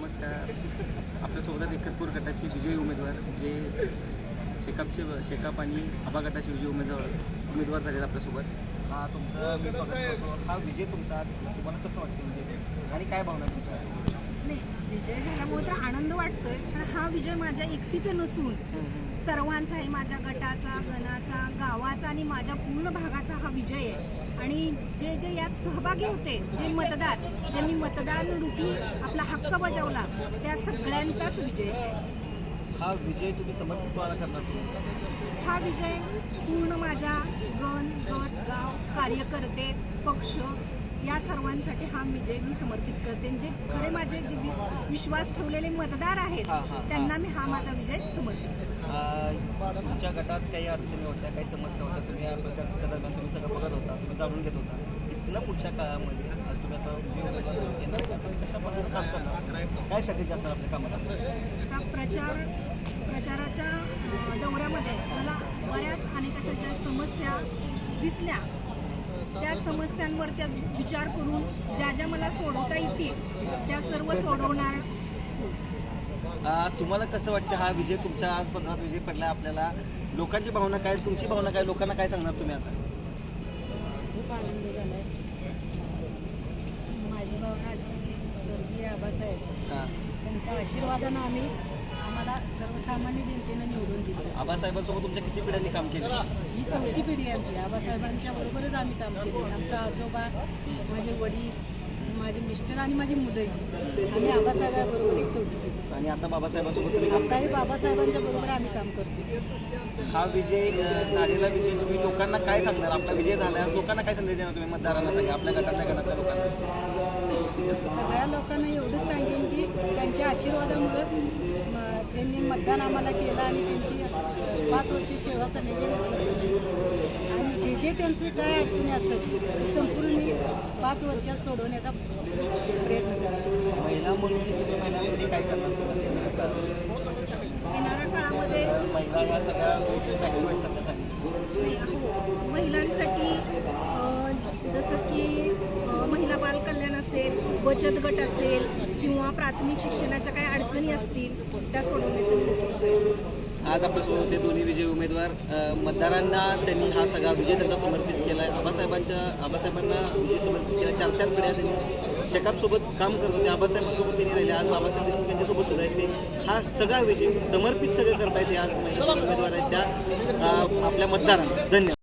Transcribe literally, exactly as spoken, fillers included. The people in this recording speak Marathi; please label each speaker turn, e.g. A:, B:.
A: नमस्कार. आपल्यासोबत एकतपूर गटाचे विजयी उमेदवार जे शेकापचे शेकाप आणि आबा गटाचे विजयी उमेदवार उमेदवार झालेत आपल्यासोबत. हा तुमचा मी स्वागत करतो. हा विजय तुमचा आज तुम्हाला कसं वाटतं विजय आणि काय भावना तुमच्या?
B: नाही, विजय झाल्यामुळे तर आनंद वाटतोय, पण हा विजय माझ्या एकटीचं नसून सर्वांचा आहे. माझ्या गटाचा, गणाचा, गावाचा आणि माझ्या पूर्ण भागाचा हा विजय आहे. आणि जे जे यात सहभागी होते, जे मतदार ज्यांनी मतदान रूपी आपला हक्क बजावला, त्या सगळ्यांचाच विजय आहे.
A: हा विजय तुम्ही समर्पित कोणाला करणार तुम्ही?
B: हा विजय पूर्ण माझ्या गण, गट, गाव, कार्यकर्ते, पक्ष या सर्वांसाठी हा विजय मी समर्पित करते. जे खरे माझे जे विश्वास ठेवलेले मतदार आहेत त्यांना मी हा माझा विजय समर्पित करते.
A: तुमच्या गटात काही अडचणी होत्या, काही समस्या होत्या, तुम्ही या प्रचाराच्या दरम्यान तुम्ही सगळं बघत होता, तुम्ही जाणून घेत होता. इथनं पुढच्या काळामध्ये आज तुम्ही आता जे उमेदवार कशा प्रकारे काम करणार, काय स्ट्रॅटेजी असणार आपल्या कामाला?
B: आता प्रचार प्रचाराच्या दौऱ्यामध्ये मला बऱ्याच अनेक अशा ज्या समस्या दिसल्या, त्या समस्यांवर त्या विचार करून ज्या ज्या मला सोडवता येतील त्या सर्व सोडवणार.
A: तुम्हाला कसं वाटतं हा विजय तुमच्या आज पत्रात विजय पडला आपल्याला? लोकांची भावना काय, तुमची भावना काय, लोकांना काय सांगणार तुम्ही आता?
B: खूप आनंद झाला आहे. माझी भावना अशी, स्वर्गीय आबासाहेब त्यांच्या आशीर्वादानं आम्ही आम्हाला सर्वसामान्य जनतेनं निवडून दिलं.
A: आबासाहेबांसोबत तुमच्या किती पिढ्यांनी काम केलं?
B: जी चौथी पिढी आहे आमची. आबासाहेबांच्या बरोबरच आम्ही काम केले. आमचा आजोबा, माझे वडील, माझे मिस्टर आणि माझी मुलंही, आम्ही आबासाहेबांबरोबर एक चौथी पिढी.
A: आणि आता बाबासाहेबांसोबत तुम्ही काम
B: आताही बाबासाहेबांच्या बरोबर आम्ही काम करतो.
A: हा विजय झालेला विजय तुम्ही लोकांना काय सांगणार? आपला विजय झाला, लोकांना काय संदेश देणार तुम्ही मतदारांना, सगळ्या आपल्या गटातल्या गणातल्या लोकांना?
B: सगळ्या लोकांना एवढंच सांगेन की त्यांच्या आशीर्वादामुळे त्यांनी मतदान आम्हाला केलं आणि त्यांची पाच वर्ष सेवा करण्याची संधी. आणि जे जे त्यांचे काय अडचणी असेल ते संपूर्ण मी पाच वर्षात सोडवण्याचा प्रयत्न करेन.
A: महिला म्हणून तुम्ही महिलांसाठी काय करणार?
B: येणाऱ्या काळामध्ये
A: महिला ह्या सगळ्या ॲक्टिव्ह आहेत सगळ्यासाठी.
B: हो, महिलांसाठी जसं की महिला बाल कल्याण असेल, बचत गट असेल किंवा प्राथमिक शिक्षणाच्या काही अडचणी असतील त्या सोडवण्याचं मी नक्कीच प्रयत्न करेन.
A: आज आपल्यासोबत होते दोन्ही विजय उमेदवार. मतदारांना त्यांनी हा सगळा विजय त्यांचा समर्पित केला आहे. आबासाहेबांच्या आबासाहेबांना विजय समर्पित केला. चार चार पिढ्या त्यांनी शेकापसोबत काम करत होते, आबासाहेबांसोबत त्यांनी राहिले. आज बाबासाहेब देशमुख यांच्यासोबत सुद्धा आहेत ते. हा सगळा विजय समर्पित सगळं करता येते आज महिला उमेदवार आहेत त्या आपल्या मतदारांना. धन्यवाद.